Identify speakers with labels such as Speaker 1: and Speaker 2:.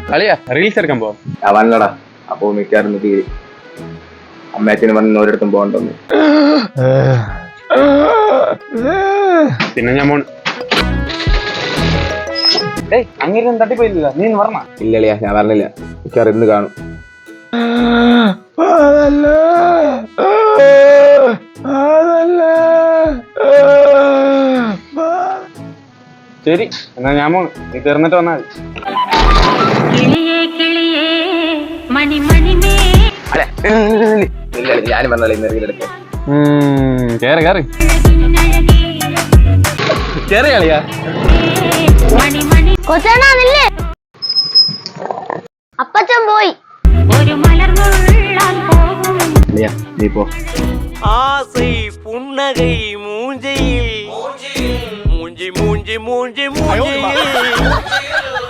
Speaker 1: കളിയാ റീൽസ് എടുക്കാൻ പോവാം.
Speaker 2: വന്നടാ. അപ്പൊ മിക്കാറും തീരെ അമ്മയച്ഛന് പറഞ്ഞ ഒരിടത്തും പോകണ്ടെന്ന്.
Speaker 1: പിന്നെ ഞാൻ പോണ്. അങ്ങനെ തട്ടിപ്പോയില്ല, നീ പറഞ്ഞ.
Speaker 2: ഇല്ലളിയാ, ഞാൻ പറഞ്ഞില്ല. മിക്കാറും ഇന്ന് കാണും.
Speaker 1: ശരി എന്നാ ഞാൻ പോണ്, നീ തീർന്നിട്ട് വന്നാൽ
Speaker 2: ഞാനും പറഞ്ഞാലേ ഇന്ന് റീലെടുക്കാം.
Speaker 1: കേറി കേറി കേറി കളിയാ.
Speaker 3: കൊച്ചേണാന്നില്ലേ? അപ്പച്ചൻ പോയി. ഒരു
Speaker 2: നീ പോ.
Speaker 4: ஆசை புன்னகை மூஞ்சியில் மூஞ்சி மூஞ்சி மூஞ்சி மூஞ்சி